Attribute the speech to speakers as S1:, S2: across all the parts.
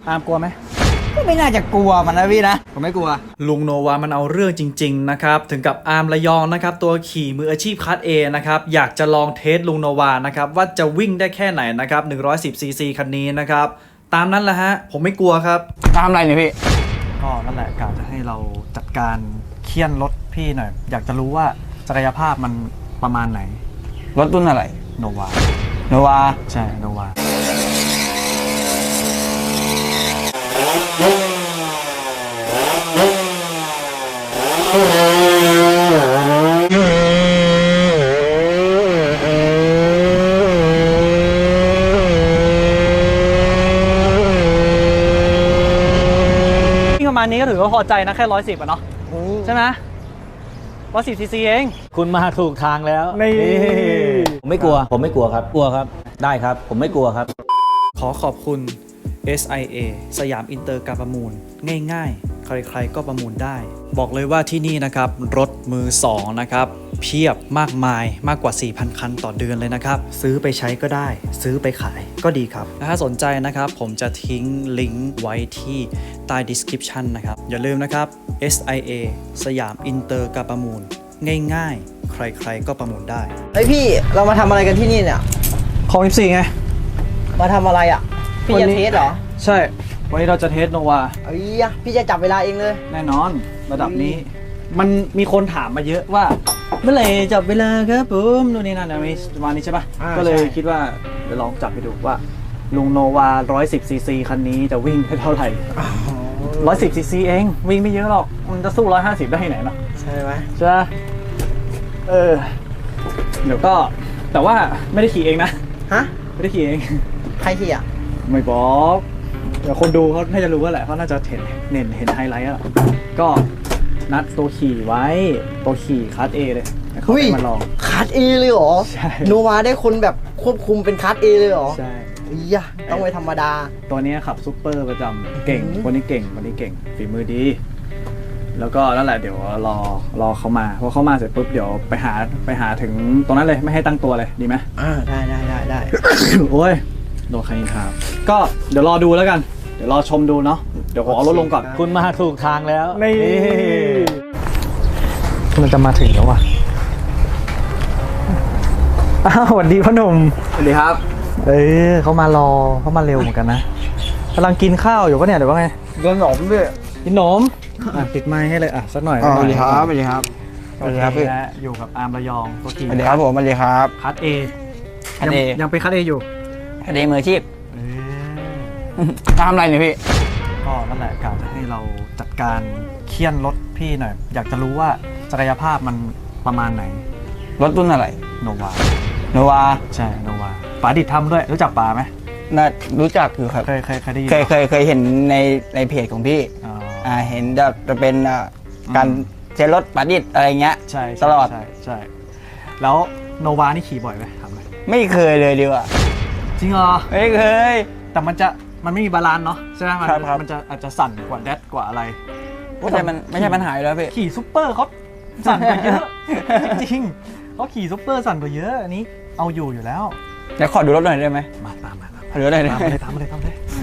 S1: อามกลัวไหม
S2: ก็ไม่น่าจะกลัวมันนะพี่นะผมไม่กลัว
S1: ลุงโนวามันเอาเรื่องจริงๆนะครับถึงกับอาร์มระยองนะครับตัวขี่มืออาชีพคัส A นะครับอยากจะลองเทสลุงโนวานะครับว่าจะวิ่งได้แค่ไหนนะครับ110 cc คันนี้นะครับตามนั้นแหละฮะผมไม่กลัวครับ
S2: ตามอะไรเนี่ยพี่
S1: ก็นั่นแหละการจะให้เราจัดการเคี่ยนรถพี่หน่อยอยากจะรู้ว่าศักยภาพมันประมาณไหน
S2: รถรุ่นอะไร
S1: โนวาใช่โนวาประมาณนี้ก็ถือว่าพอใจนะแค่110อ่ะเนาะใช่ไหม110 cc เอง
S3: คุณมาถูกทางแล้ว
S1: นี่
S3: ผมไม่กลัวครับกลัวครับได้ครับผมไม่กลัวครับ
S1: ขอขอบคุณ SIA สยามอินเตอร์การประมูลง่ายๆใครๆก็ประมูลได้บอกเลยว่าที่นี่นะครับรถมือ2นะครับเพียบมากมายมากกว่า 4,000 คันต่อเดือนเลยนะครับซื้อไปใช้ก็ได้ซื้อไปขายก็ดีครับถ้าสนใจนะครับผมจะทิ้งลิงก์ไว้ที่ใต้ description นะครับอย่าลืมนะครับ SIA สยามอินเตอร์การประมูลง่ายๆใครๆก็ประมูลได้
S2: เฮ้ยพี่เรามาทำอะไรกันที่นี่เนี่ย
S1: ของ14ไง
S2: มาทำอะไรอ่ะพี่จะเทสเหรอ
S1: ใช่วันนี้เราจะเทสโนวา
S2: พี่จะจับเวลาเองเลย
S1: แน่นอนระดับนี้มันมีคนถามมาเยอะว่าเมื่อไหร่จับเวลาครับผมนู่นนี่นั่นมีประมาณนี้ใช่ปะก็เลยคิดว่าเดี๋ยวลองจับไปดูว่าลุงโนวา110 cc คันนี้จะวิ่งได้เท่าไหร่110 cc เองวิ่งไม่เยอะหรอกมันจะสู้150ได้ไหนเนาะ
S2: ใช่ไหม
S1: ใช่เดี๋ยวก็แต่ว่าไม่ได้ขี่เองนะ
S2: ฮะ
S1: ไม่ได้ขี่เอง
S2: ใครขี่อ่ะ
S1: ไม่บอกเดี๋ยวคนดูเขาน่าจะรู้ว่าแหละเขาน่าจะเห็นไฮไลท์แล้วก็นัดตัวขี่ไว้ตัวขี่คัส A เลยเขาไปมาลอง
S2: คัส A เลยเหรอ
S1: ใช่
S2: โนวาได้คนแบบควบคุมเป็นคัส A เลยเหรอ
S1: ใช่
S2: ต้องไม่ธรรมดา
S1: ตัวนี้ขับซุปเปอร์ประจำเก่งคนนี้เก่งฝีมือดีแล้วก็นั่นแหละเดี๋ยวรอเขามาพอเขามาเสร็จปุ๊บเดี๋ยวไปหาถึงตรงนั้นเลยไม่ให้ตั้งตัวเลยดีไหม
S2: ได้
S1: โอ้ยโดนใครนินทาก็เดี๋ยวรอดูแล้วกันเดี๋ยวรอชมดูเนาะเดี๋ยวขอเอารถลงก่อน
S3: คุณมาถูกทางแล้ว
S1: นี่มันจะมาถึงแล้วว่ะสวัสดีพ่อหนุ่ม
S2: สวัสดีครับ
S1: เขามารอเขามาเร็วเหมือนกันนะกำลังกินข้าวอยู่ปะเนี่ยเดี๋ยวว่าไง
S2: กินขนมด้วย
S1: กินขนมติดไม้ให้เลยสักหน่อย
S2: สวัสดีครับพี่
S1: อยู่กับอาร์มระยองตัวขี่
S2: สวัสดีครับผมสวัสดีครับ
S1: คัส A ยังเป็นคัส A อยู่
S2: คัส A มืออาชีพทำอะไรเนี่ยพี่
S1: ก็นั่นแหละการจะให้เราจัดการเคี่ยนรถพี่หน่อยอยากจะรู้ว่าศักยภาพมันประมาณไหน
S2: รถรุ่นอะไร
S1: โนวาใช่โนวาป๋าดิดทำด้วยรู้จักป๋าไหม
S2: น่ารู้จักอยู่ครับ
S1: เคยได้ยิน
S2: เคยเห็นในเพจของพี่เห็นจะเป็นการเช็ดรถป๋าดิดอะไรเงี้ย
S1: ใช่
S2: ตลอด
S1: ใช่แล้วโนวานี่ขี่บ่อยไหมถามเลย
S2: ไม่เคยเลยดีกว่า
S1: จริงเหรอ
S2: ไม่เคย
S1: แต่มันไม่มีบาลานซ์เนาะใช่ไหมมันจะอาจจะสั่นกว่าแดดกว่าอะไร
S2: แต่มันไม่ใช่ปัญหาแล้วพี่
S1: ขี่ซุปเปอร์เขาสั่นกว่าเยอะจริงเขาขี่ซุปเปอร์สั่นกว่าเยอะอันนี้เอาอยู่แล้ว
S2: เดี๋ยวขอดูรถหน่อยได้ไหม
S1: มา
S2: ขอดูรถหน่อย
S1: ทำเลย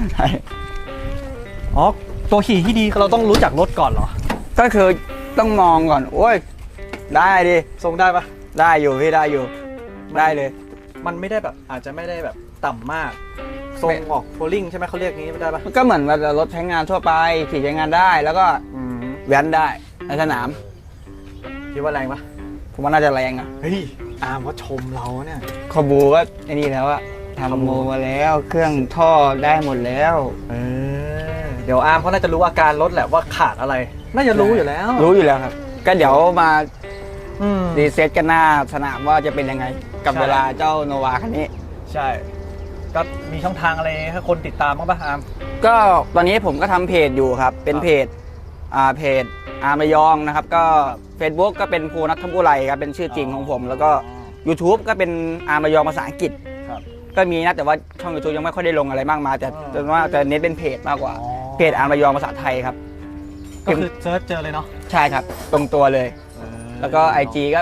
S1: อ๋อตัวขี่ที่ดีเราต้องรู้จักรถก่อนเหรอ
S2: ก็คือต้องมองก่อนโอ้ยได้ดิ
S1: ทรงได้ปะ
S2: ได้อยู่พี่ได้อยู่ได้เลย
S1: มันไม่ได้แบบอาจจะไม่ได้แบบต่ำมากทรงออกโพลิ่งใช่ไหมเขาเรียกงี้ไม่ได้ปะ
S2: ก็เหมือนว่ารถใช้งานทั่วไปขี่ใช้งานได้แล้วก็แว้นได้ในสนาม
S1: คิดว่าแรงปะ
S2: ผมว่าน่าจะแรง
S1: เฮ้ยอาร์มเขาชมเราเนี่ย
S2: คอบูก็ไอ้นี่แล้วอะทำโมมาแล้วเครื่องท่อได้หมดแล้ว
S1: เดี๋ยวอาร์มเขาน่าจะรู้อาการรถแหละว่าขาดอะไรน่าจะรู้อยู่แล้ว
S2: ครับก็เดี๋ยวมารีเซ็ตกันหน้าสนามว่าจะเป็นยังไงกับเวลาเจ้าโนวาคันนี้
S1: ใช่ก็มีช่องทางอะไรให้คนติดตามบ้างป่ะอาร์ม
S2: ก็ตอนนี้ผมก็ทำเพจอยู่ครับเป็นเพจอาร์มระยองนะครับก็ Facebook ก็เป็นภูนัทธบุไรครับเป็นชื่อจริงของผมแล้วก็ YouTube ก็เป็นอาร์มระยองภาษาอังกฤษก็มีนะแต่ว่าช่อง YouTube ยังไม่ค่อยได้ลงอะไรมากมายแต่ว่าจะเน้นเป็นเพจมากกว่าเพจอาร์มระยองภาษาไทยครับ
S1: ก็คือเซิร์ชเจอเลยเนาะ
S2: ใช่ครับตรงตัวเลยแล้วก็ IG ก็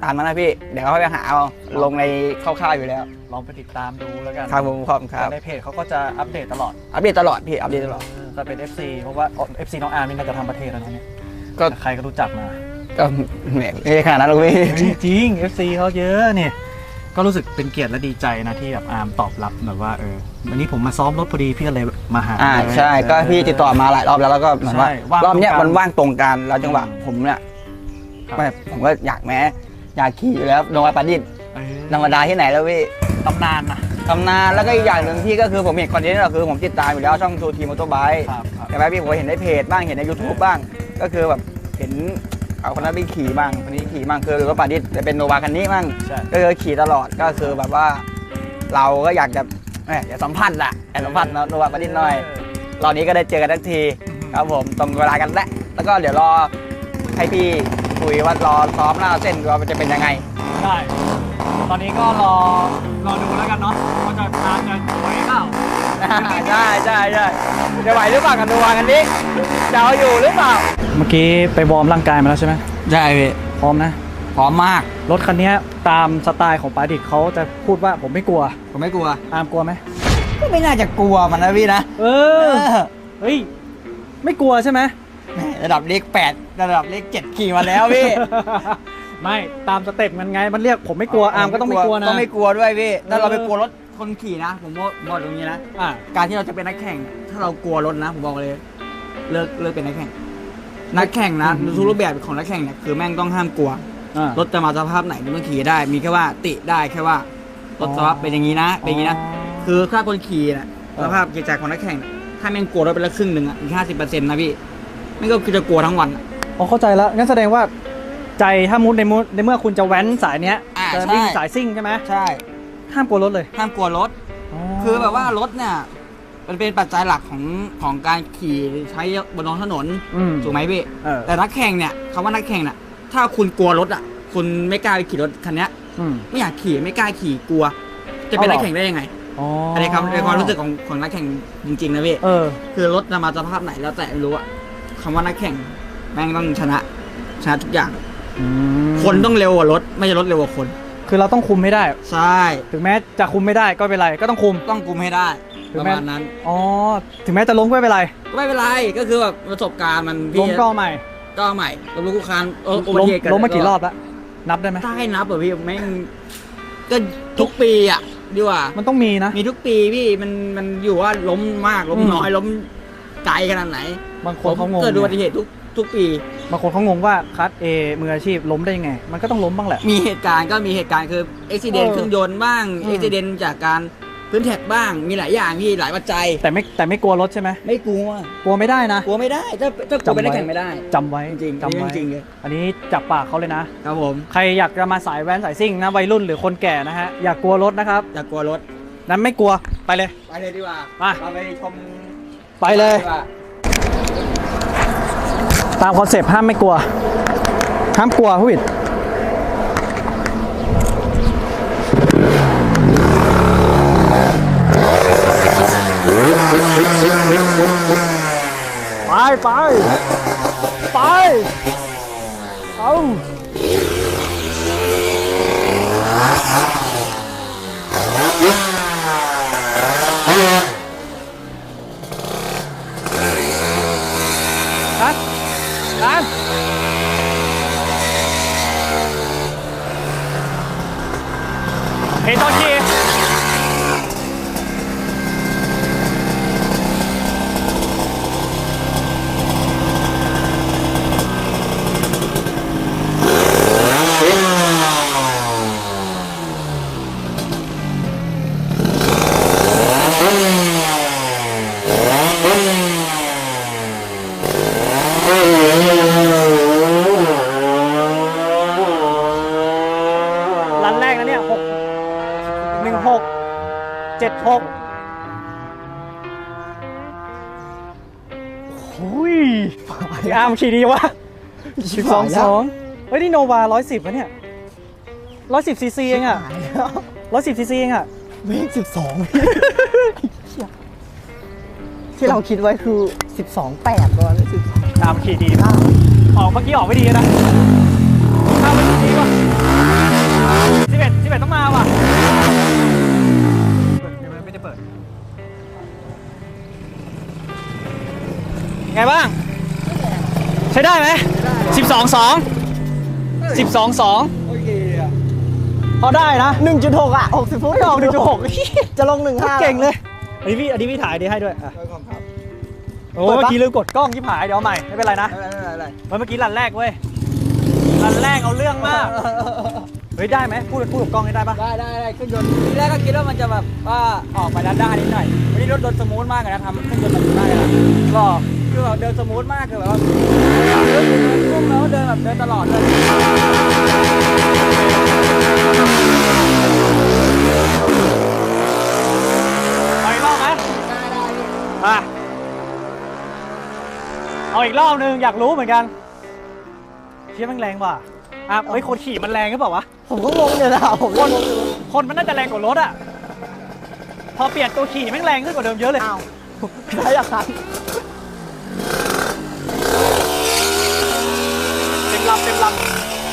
S2: ตามนั้นนะพี่เดี๋ยวเขาไปหาเอาลงในคร่าวๆอยู่แล้ว
S1: ลองไปติดตามดูแล้วกัน
S2: ครับผมขอบคุณครับ
S1: ในเพจเขาก็จะอัปเดตตลอด
S2: อัปเดตตลอดพี่อัปเดตตลอด
S1: จะเป็น FC เพราะว่า FC น้องอาร์มนี่น่าจะทำประเทศแล้วนะเนี่ย
S2: ก็
S1: ใครก็รู้จักมา
S2: ก็แหมไม่ใช่ขนาดนั้นหรอกพี่
S1: จริง FC เขาเยอะเนี่ยก็รู้สึกเป็นเกียรติและดีใจนะที่แบบอาร์มตอบรับแบบว่าวันนี้ผมมาซ้อมรถพอดีพี่ก็เลยมาหา
S2: ใช่ก็พี่ติดต่อมาหลายรอบแล้วก็เหมือนว่า
S1: ใช่ว่าง
S2: รอบเนี้ย
S1: ตรงกัน
S2: มันว่างตรงกันแล้วจังหวะผมเนี่ย
S1: ครับ
S2: ไม่ผมก็อยากขี่อยู่แล้วโนวาปาดิษฐ์
S1: เออ
S2: ธรรมดาที่ไหนแล้วพี่
S1: ตำนานนะ
S2: ตำนานแล้วก็อีกอย่างหนึ่งที่ก็คือผมเห็นคอนเทนต์ก็คือผมติดตามอยู่แล้วช่องทูทีมอเตอร์ไบค์
S1: ครับครับ
S2: ใช่ไหมพี่ผมเห็นในเพจบ้างเห็นใน YouTube บ้าง ก็คือแบบเห็นเอาคนนั้นไปขี่บ้างคนนี้ขี่บ้างคือรถปาดิษฐ์จะเป็นโนวาคันนี้บ้าง
S1: ใช่
S2: ก็คือขี่ตลอดก็คือแบบว่า เราก็อยากจะอยากสัมผัสอะอยากสัมผัสโนวาปาดิษฐ์หน่อยรอบนี้ก็ได้เจอกันทักทีครับผมตรงเวลากันแล้วก็เดี๋ยวรอให้พี่คุยว่ารอซ้อมหน้าเส้นว่ามันจะเป็นยังไง
S1: ใช่ตอนนี้ก็รอดูแล้วกันเนาะว่าจะอาร์มจะไหวเปล่า
S2: ใช่จะไหวหรือเปล่ากันดูวากันนี้จะเอาอยู่หรือเปล่า
S1: เมื่อกี้ไปวอร์มร่างกายมาแล้วใช่ไหม
S2: ใช่พี่
S1: พร้อมนะ
S2: พร้อมมาก
S1: รถคันนี้ตามสไตล์ของปาดิษฐ์เขาจะพูดว่าผมไม่กลัว
S2: ผมไม่กลัว
S1: อาร์มกลัวไหม
S2: ก็ไม่น่าจะกลัวมันนะพี่นะ
S1: เฮ้ยไม่กลัวใช่ไหม
S2: แหม่ระดับเลข8ระดับเลข7ขี่มาแล้วพี่
S1: ไม่ตามสเต็ปมันไงมันเรียกผมไม่กลัวอาร์มก็ต้องไม่กลัวนะ
S2: ต้องไม่กลัวด้วยพี่ถ้าเราไปกลัวรถคนขี่นะผมบอกตรงนี้นะ
S1: อ่ะ
S2: การที่เราจะเป็นนักแข่ง ถ้าเรากลัวรถนะผมบอกเลยเลิกเป็นนักแข่ง นักแข่งนะทุกรูปแบบของนักแข่งเนี่ยคือแม่งต้องห้ามกลัว
S1: อ่ะ
S2: รถจะมาสภาพไหนมันขี่ได้ มีแค่ว่าติได้แค่ว่ารถสภาพเป็นอย่างนี้นะเป็นอย่างนี้นะคือถ้าคนขี่น่ะสภาพจิตใจของนักแข่งน่ะถ้าแม่งกลัวรถไปละครึ่งหนึ่งอ่ะอีก50%นะพี่ไม่ก็คือจะกลัวทั้งวันอะ
S1: อ๋อเข้าใจแล้วงั้นแสดงว่าใจถ้ามุดในเมื่อคุณจะแว้นสายเนี้ย
S2: อ่า
S1: จะ
S2: ใช่
S1: วิ่งสายซิ่งใช่ไหม
S2: ใช่
S1: ห้ามกลัวรถเลย
S2: ห้ามกลัวรถ คือแบบว่ารถเนี่ยมันเป็นปัจจัยหลักของการขี่ใช้บนท้องถนน ถูกไหมพี่
S1: เออ
S2: แต่นักแข่งเนี่ยคำว่านักแข่งน่ะถ้าคุณกลัวรถอ่ะคุณไม่กล้าไปขี่รถคันเนี้ย
S1: อืม
S2: ไม่อยากขี่ไม่กล้าขี่กลัว จะเป็น
S1: เอาเหรอ
S2: นักแข่งได้ยังไง
S1: อ๋อ
S2: อันนี้ครับในความรู้สึกของนักแข่งจริงๆนะพี่
S1: เออ
S2: คือรถจะมาสภาพไหนแล้วแต่ไม่รู้อะคำว่านักแข่งแม่งต้องชนะทุกอย่าง คนต้องเร็วกว่ารถไม่ใช่รถเร็วกว่าคน
S1: คือเราต้องคุมให้ได้
S2: ใช่
S1: ถึงแม้จะคุมไม่ได้ก็ไม่เป็นไรก็ต้องคุม
S2: ต้องกุมให้ได้
S1: ถึ
S2: ป
S1: ง
S2: ระ
S1: แม้
S2: มาณนั้น
S1: อ๋อถึงแม้จะล้มก็ไม่เป็นไร
S2: ก็ไม่เป็นไรก็คือแบบประสบการณ์มัน
S1: ล้มก็เอาใหม่
S2: ก็ใหม่ล้มลุกคลุกคลานอุบั
S1: ล้ม
S2: ติเหตุ
S1: ล้มมากี่รอบแล้วนับได้ไหม
S2: ได้นับเหรอพี่แม่งก็ทุกปีอ่ะดีกว่า
S1: มันต้องมีนะ
S2: มีทุกปีพี่มันอยู่ว่าล้มมากล้มน้อยล้มไกลขนาดไหน
S1: บางคนเขางง
S2: เกิดอุบัติเหตุทุกปี
S1: บางคนเขางงว่าคัสเอมืออาชีพล้มได้ยังไง มันก็ต้องล้มบ้างแหละ
S2: มีเหตุการณ์คืออุบิเหตุเครื่องยนต์บ้าง
S1: อืม
S2: อุบิเหตุจากการพื้นแท็กบ้างมีหลายอย่างพี่หลายปัจจัย
S1: แต่ไม่กลัวรถใช่ไหม
S2: ไม่กลัว
S1: กลัวไม่ได้นะ
S2: กลัวไม่ได้ถ้ากลัวไปได้แข่งไม่ได้
S1: จำไว้
S2: จริงๆ
S1: จำไว้
S2: จริงๆเลย
S1: อันนี้จับปากเขาเลยนะ
S2: ครับผม
S1: ใครอยากจะมาสายแว้นสายซิ่งนะวัยรุ่นหรือคนแก่นะฮะอย่ากลัวรถนะครับ
S2: อย่ากลัวรถ
S1: นั้นไม่กลัวไปเลย
S2: ไปเลยดีกว่า
S1: ไป
S2: เราไปชม
S1: ไปเลย
S2: ดีกว่า
S1: ตามคอนเซปต์ห้ามไม่กลัว ห้ามกลัวผู้ผิดไปเอากันเฮ้ยตอนขี่รันแรกนะเนี่ย76โอ้ยพี่อาร์มขี่ดีวะ12.2เฮ้ยนี่โนวา110วะเนี่ย110ซีซีเองอะ110ซีซีเองอะ
S4: เมฆ12 ที่เราคิดไว้คือ 12.8ก่อนเลย12
S1: อาร์มขี่ดีมากออกเมื่อกี้ออกไม่ดีนะข้ามไม่ดีว่ะ 11ต้องมาว่ะไม่ได้เปิดไงบ้างใช้ได้ไหม12.2
S2: โอเคอ่ะ
S1: พอได้นะ
S4: 1.6 อ่ะ 60 ฟุต
S1: ไม่ออก1.6
S4: จะลง 1.5
S1: เก่งเลยอันนี้พี่ถ่ายดีให้ด้วยอ่ะ
S2: ครับ
S1: โอ้เมื่อกี้ลืมกดกล้องที่ผายเดี๋ยวเอาใหม่ไม่เป็นไรนะ
S2: อะไร
S1: เมื่อกี้รันแรกเว้ยรันแรกเอาเรื่องมากเฮ้ยได้ไหมพูดกับกล้องให้ได้ปะ
S2: ได้เครื่องยนต์ทีแรกก็คิดว่ามันจะแบบว่าออกไปด้านๆนิดหน่อยวันนี้รถโดนสมูทมากเลยนะทำเครื่องยนต์มันได้ละ
S1: ก็
S2: คือแบบเดินสมูทมากคือแบบว่าเดินพุ่งแล้วเดินแบบเดินตลอดเลย
S1: เอาอีกรอบไหมอ่ะเอาอีกรอบนึงอยากรู้เหมือนกันเชี่ยมันแรงว่ะอ่ะเฮ้ยคนขี่มันแรงหรือเปล่าวะ
S4: ผมก็งงอยู่นะผมก็งงอยู่
S1: คนมันน่าจะแรงกว่ารถอ่ะพอเปลี่ยนตัวขี่แม่งแรงขึ้นกว่าเดิมเยอะเลย
S4: อ้าวได้ยังครับ
S1: เต็มลำ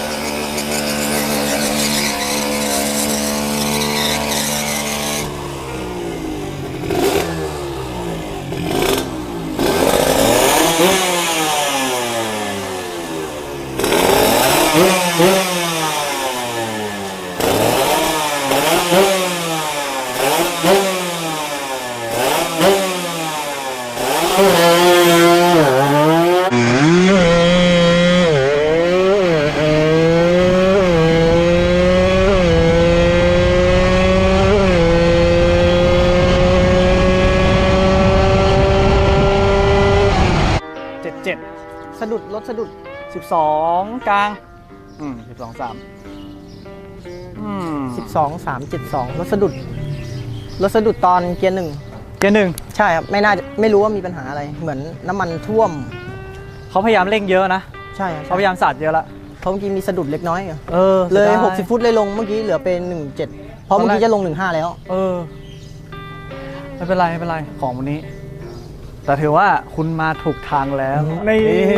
S4: สะดุดรถสะดุด
S1: 12กลาง12 3
S4: 12 3 72รถสะดุดตอนเกียร์
S1: เกียร์หนึ่ง
S4: 1 ใช่ครับไม่รู้ว่ามีปัญหาอะไรเหมือนน้ำมันท่วม
S1: เขาพยายามเร่งเยอะนะ
S4: ใช่ครับ
S1: เขาพยายามสาดเยอะละ
S4: เพราะเมื่อกี้มีสะดุดเล็กน้อยอะ
S1: เลย
S4: 60 ฟุตเลยลงเมื่อกี้เหลือเป็น 17 เพราะเมื่อกี้จะลง 15 แล้ว
S1: ไม่เป็นไรของวันนี้ แต่ถือว่าคุณมาถูกทางแล้วนี่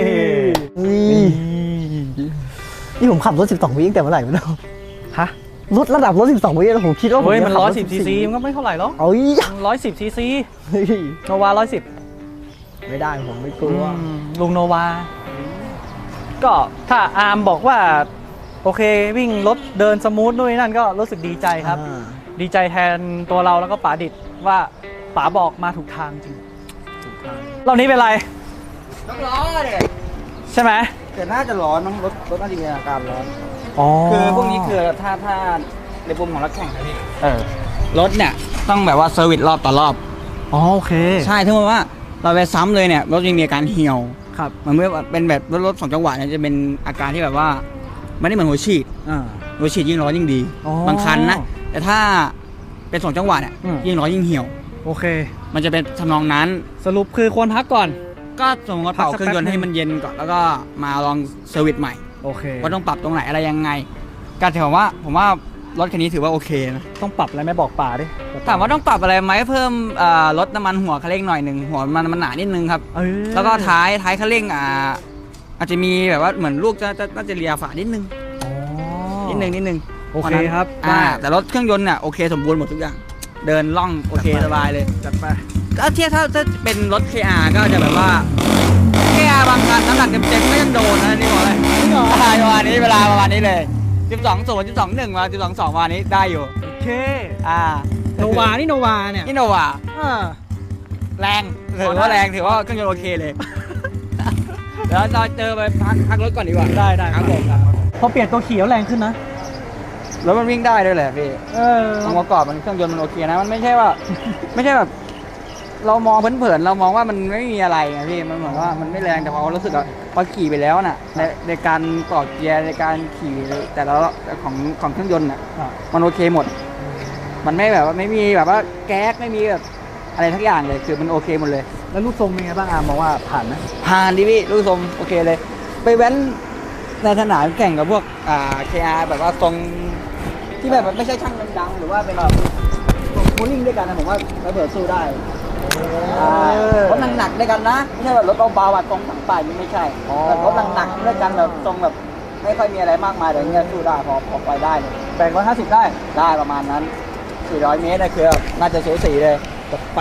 S4: นี่ผมขับรถ 12 วิตั้งแต่เมื่อไหร่ไม่รู้
S1: ฮะ
S4: รถระดับรถ 12 วิแล้วผมคิดว่าผม
S1: เฮ้ยมัน
S4: จะขับรถ
S1: 110 ซีซีมันก็ไม่เท่าไหร่หรอก
S4: เอ้ย
S1: 110 ซีซี
S4: เฮ้ย
S1: โนวา110
S4: ไม่ได้ผมไม่กลัว
S1: ลุงโนวา ก็ถ้าอาร์มบอกว่า โอเควิ่งรถเดินสมูทด้วยนั่นก็รู้สึกดีใจครับ ดีใจแทนตัวเราแล้วก็ป๋าดิดว่าป๋าบอกมาถูกทางจริงรอบนี้เป็นไร
S2: ต้องร้อนเลย
S1: ใช่ไหม
S2: แต่น่าจะร้อนมั้งรถน่าจะมีอาการร้อน
S1: อ๋อ
S2: คือพวกนี้คือถ้าในปุ่มของรถแข่งนะพี่รถเนี่ยต้องแบบว่าเซอร์วิสรอบต่อรอบ
S1: อ๋อโอเค
S2: ใช่ถ้าว่าเราไปซ้ำเลยเนี่ยรถยังมีอาการเหี่ยว
S1: ครับ
S2: มันไม่เป็นแบบรถ2 จังหวะเนี่ยจะเป็นอาการที่แบบว่าไม่ได้เหมือนหัวฉีด หัวฉีดยิ่งร้อนยิ่งดี
S1: อ๋อ
S2: บางคันนะแต่ถ้าเป็น2 จังหวะเนี่ย
S1: อืม
S2: ยิ่งร้อนยิ่งเหี่ยว
S1: โอเค
S2: มันจะเป็นทำนองนั้น
S1: สรุปคือควรพักก่อน
S2: ก็ส่งมาเป่า
S1: พักสัก
S2: เครื่องยนต์
S1: แป๊บนึง
S2: ให้มันเย็นก่อนแล้วก็มาลองเซอร์วิสใหม่
S1: โอเค
S2: ว่าต้องปรับตรงไหนอะไรยังไงก็ถือว่าผมว่ารถคันนี้ถือว่าโอเคนะ
S1: ต้องปรับอะไรไหมบอกป๋าดิ
S2: ถามว่าต้องปรับอะไรไหมเพิ่มลดน้ำมันหัวคันเร่งหน่อยหนึ่งหัวมันหนานิดนึงครับ แล้วก็ท้ายคันเร่งอาจจะมีแบบว่าเหมือนลูกน่าจะเลียฝานิดนึง
S1: อ๋อ
S2: นิดนึง
S1: โอเคครับ
S2: แต่รถเครื่องยนต์เนี่ยโอเคสมบูรณ์หมดทุกอย่าง เดินล่องโอเคสบายเลย
S1: จัดไป
S2: ก็เทียบถ้าเป็นรถ KR ก็จะแบบว่า KR บางคันน้ำหนักเต็มๆก็ยังโดนนะนี่บอกเลยประมาณนี้เวลาประมาณนี้เลย 12.0 12.1 มา 12.2 วันนี้ได้อยู่
S1: โอเค
S2: โนวานี่โนวาแรงถือว่าแรงถือว่าเครื่องยนต์โอเคเลย เดี๋ยวเราเจอไปพักรถก่อนดีกว่า
S1: ได้
S2: ครับผม
S1: พอเปลี่ยนตัวขี่แล้วแรงขึ้นนะ
S2: แล้วมันวิ่งได้ด้วยแหละพี่องค์ประกอบมันเครื่องยนต์มันโอเคนะมันไม่ใช่ว่า ไม่ใช่แบบ เรามองเผินๆเรามองว่ามันไม่มีอะไรไงพี่มันเหมือนว่ามันไม่แรงแต่พอรู้สึกอะพอขี่ไปแล้วน่ะในการต่อเกียร์ในการขี่แต่ละของเครื่องยนต์น่ะมันโอเคหมด มันไม่แบบว่าไม่มีแบบว่าแก๊สไม่มีแบบอะไรทั้งอย่างเลยคือมันโอเคหมดเลย
S1: แล้วลูกทรงเป็นไงบ้างอาร์มมองว่าผ่านไหม
S2: ผ่านดิพี่ลูกทรงโอเคเลย ไปแว้นในสนามแข่งกับพวกKR แบบว่าทรงที่แบบไม่ใช่ช่างดังๆหรือว่าเป็นแบบโมลิ่งด้วยกันนะผมว่าระเบิดสู้ได้รถหนักๆด้วยกันนะไม่ใช่แบบรถเบาๆตรงสังป่ายมันไม่ใช่แต่รถหนักๆด้วยกันแบบทรงแบบไม่ค่อยมีอะไรมากมายแต่เงี้ยสู้ได้พอไปได้เลยแบ่ง150ได้ประมาณนั้น400 เมตรนะคือน่าจะสูสีเลย
S1: ไป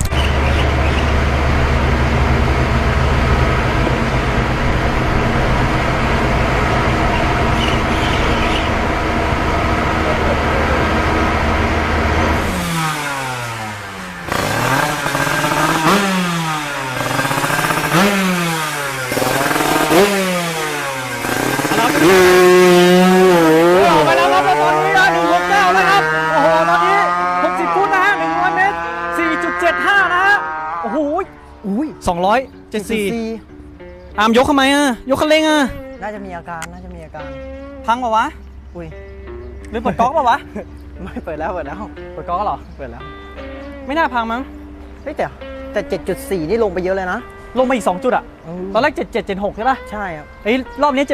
S1: ออกไปแล้วครับแล้วตอนนี้นะ169แล้วครับ โอ้โห ตอนนี้ 60 ฟุตนะฮะ100 เมตร 4.75 นะฮะ โอ้โห
S4: อุ้ย
S1: 274 อาร์มยกทำไมอ่ะ ยกคันเร่งอ่ะ
S4: น่าจะมีอาการ
S1: พังเปล่าวะ
S4: อุ้ย
S1: หรือเปิดก๊อกเปล่าวะ
S4: ไม่เปิดแล้ว
S1: เปิดก๊อกเหรอ
S4: เปิดแล้ว
S1: ไม่น่าพังมั้ง
S4: เฮ้ยแต่ 7.4 นี่ลงไปเยอะเลยนะ
S1: ลงมาอีก 2 จุดอ่ะ ตอนแรก 77 76 ใช่ป่ะ
S4: ใช่ครับ
S1: เฮ้ยรอบนี้ 74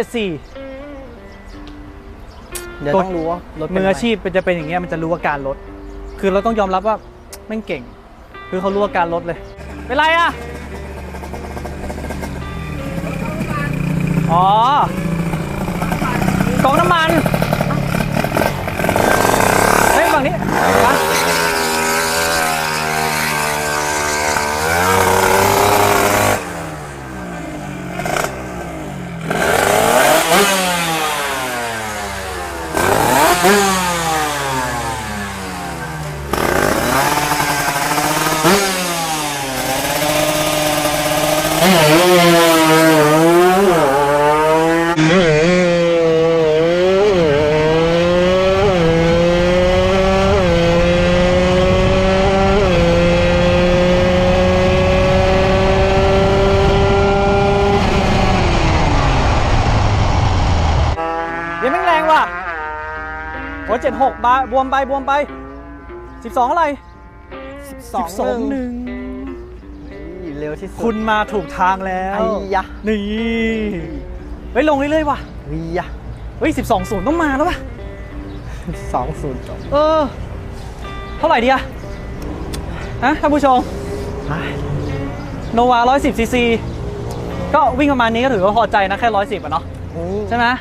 S4: เดี๋ยวต้องรู้ว่ารถเป็น
S1: มือ
S4: ไร
S1: อาชีพจะเป็นอย่างเงี้ยมันจะรู้อาการรถ คือเราต้องยอมรับว่าแม่งเก่ง คือเขารู้อาการรถเลย เป็นไรอ่ะ อ๋อกองน้ำมัน เฮ้ยฝั่งนี้มาเดี๋ยวแม่งแรงว่ะโอ้76บาบวมไป 12อะไร
S4: 12
S1: หนึ่ง
S4: เร็วที่สุด
S1: คุณมาถูกทางแล้ว
S4: ไอ้ยะ
S1: นี่เฮ้ยลงเรื่อยๆว่ะ
S4: เฮ้ยยะ
S1: เฮ้ย12-0ต้องมาแล้วป่ะ
S4: 2-0 จบ
S1: เท่าไหร่ดีอะฮะท่านผู้ชมโนวา110 ซีซี ก็วิ่งประมาณนี้ก็ถือว่าพอใจนะ แค่ 110อะเนาะใช่ไหม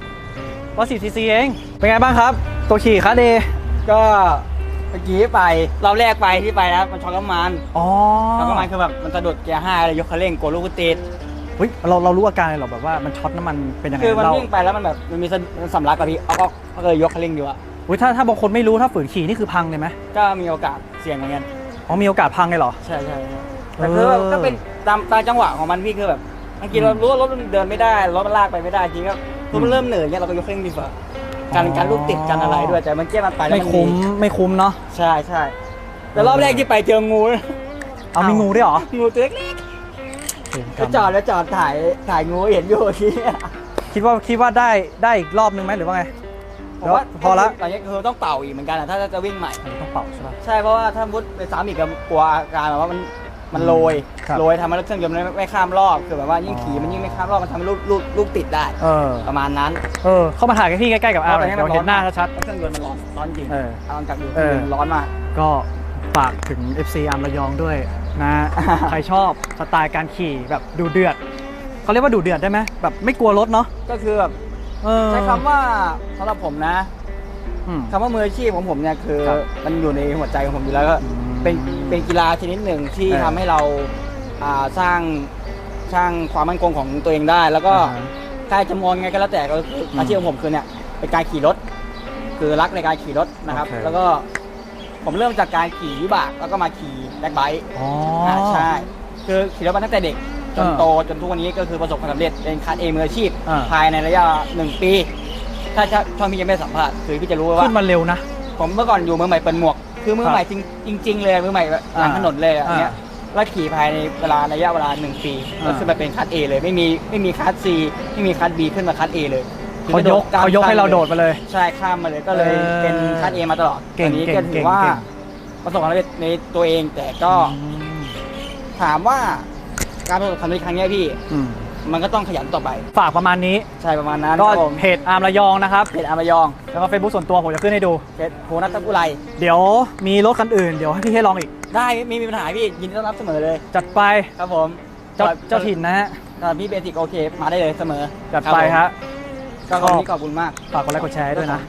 S1: 110 ซีซีเอง เป็นไงบ้างครับ ตัวขี่คัสเด
S2: ก็เมื่อกี้ไปรอบแรกไปที่ไปนะมันช็อกน้ำมัน
S1: อ๋อ
S2: ช็อกน้ำมันคือแบบมันสะดุดเกียร์5เลยยกคันเร่งกดลูกติด
S1: เฮ้ยเรารู้อาการเลยเหรอแบบว่ามันช็อตน้ำมันเป็นยังไง
S2: คือมัน
S1: เรา
S2: วิ่งไปแล้วมันแบบมันมีสำลักกับพี่เอาก็เลยยกคันเร่งดีกว่า
S1: อุ้ยถ้าบางคนไม่รู้ถ้าฝืนขี่นี่คือพังเลยไหม
S2: ก็มีโอกาสเสี่ยงเหมือนกัน
S1: อ๋อมีโอกาสพังเลยเหรอ
S2: ใช่แต่คือแบบก็เป็นตามจังหวะของมันพี่คือแบบบางทีเรารู้ว่ารถมันเดินไม่ได้รถมันลากไปไม่ได้จริงก็รถมันเริ่มเหนื่อยเนี่ยเราก็ยกเครื่องดีกว่าการลูกติดกันอะไรด้วยแต่มันเกี้ยมันไปแล้ว
S1: ไม่คุ้มเนาะ
S2: ใช่แต่รอบแรกที่ไปเจองู
S1: เอามีงูด้วยเหรอ
S2: งูตัวเล็กไปจอดถ่ายงูเห็นอยู่ที่
S1: คิดว่าได้อีกรอบนึงไหมหรือว่าไง
S2: ผมว่า
S1: พอละ
S2: ตอนนี้คือต้องเป่าอีกเหมือนกันถ้าจะวิ่งใหม่
S1: ต้องเป่าใช่ป่ะ
S2: ใช่เพราะว่าถ้ามุดไปซ้ำอีกก็กลัวอาการแบบว่ามันโรย
S1: ครับ
S2: โรยทำให้รถเครื่องยนต์ไม่ข้ามรอบคือแบบว่ายิ่งขี่มันยิ่งไม่ข้ามรอบมันทำให้ลูกติดได้ ประมาณนั้น
S1: เข้ามาถ่ายกับพี่ใกล้ๆกับอาร์ม
S2: เพ
S1: เดี๋ยวเห็นหน้าชัด
S2: เครื่องยนต์มันร้อนจริง
S1: เออ
S2: ลองจับดูเครื่องยนต์ร้อนมาก
S1: ๆก็ฝากถึง FC อาร์มระยองด้วยนะ ใครชอบสไตล์การขี่แบบดูเดือดเขาเรียกว่าดูเดือดได้ไหมแบบไม่กลัวรถเนาะ
S2: ก็คือแบบใช้คำว่าสำหรับผมนะคำว่ามืออาชีพของผมเนี่ยคือ
S1: ครับ
S2: มันอยู่ในหัวใจของผมอยู่แล้วก็เป็นกีฬาชนิดหนึ่งที่ทำให้เราสร้างความมั่นคงของตัวเองได้ แล้วก็ใครจะมองไงก็แล้วแต่ก็คืออาชีพของผมคือเนี่ยเป็นการขี่รถ คือรักในการขี่รถนะครับ
S1: โอเค
S2: แล้วก็ผมเริ่มจากการขี่วิบากแล้วก็มาขี่แบ็คไบค์
S1: อ๋อ
S2: ใช่คือขี่รถมาตั้งแต่เด็กจน
S1: อ่า
S2: โตจนทุกวันนี้ก็คือประสบความสำเร็จเป็นคัสเอมืออาชีพ
S1: อ่า
S2: ภายในระยะ1 ปี ถ้าช่องพี่ยังไม่ได้สัมภาษณ์คือพี่จะรู้ว่า
S1: ขึ้นมาเร็วนะ
S2: ผมเมื่อก่อนอยู่มือใหม่เปิดหมวก คือมือใหม่จริง ๆ เลยมือใหม่แบบหลังถนนเลยอันเนี้ยแล้วขี่ภายในระยะเวลา1 ปีก็ขึ้นมาเป็นคัสเอเลยไม่มีคัสซีไม่มีคัสบีขึ้นมาคัสเอเลย
S1: เขายกให้เราโดดมาเลย
S2: ใช่ข้ามมาเลยก็เลยเป็นคัสเอมาตลอด
S1: เก่ง
S2: อันนี้
S1: เก่ง
S2: ก็ถือว่า
S1: เก่ง
S2: ประสบความสำเร็จในตัวเองแต่ก็ถามว่าการประสบความสำเร็จครั้งเนี้ยพี่ มันก็ต้องขยันต่อไป
S1: ฝากประมาณนี้
S2: ใช่ประมาณนั้น
S1: ก็
S2: ครับผม
S1: เพจอาร์มระยองนะครับ
S2: เพจอามายอง
S1: แล้วก็เฟซบุ๊กส่วนตัวผมจะขึ้นให้ดู
S2: เพจโพนัทบุไร
S1: เดี๋ยวมีรถคันอื่นเดี๋ยวให้พี่ให้ลองอีก
S2: ได้ไม่มีปัญหาพี่ยินดีต้อนรับเสมอเลย
S1: จัดไป
S2: ครับผม
S1: เจ้าถิ่นนะฮะ
S2: พี่เบสิกโอเคมาได้เลยเสมอ
S1: จัดไปฮะ
S2: ก็วันนี้ขอบคุณมาก
S1: ฝากกดไลค์กดแชร์ให้ด้วยนะ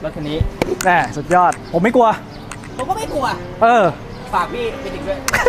S2: รถคันนี้
S1: แน่สุดยอด ผมไม่กลัว
S2: ผมก็ไม่กลัว
S1: เออ
S2: ฝากพี่ไปถึงด้วย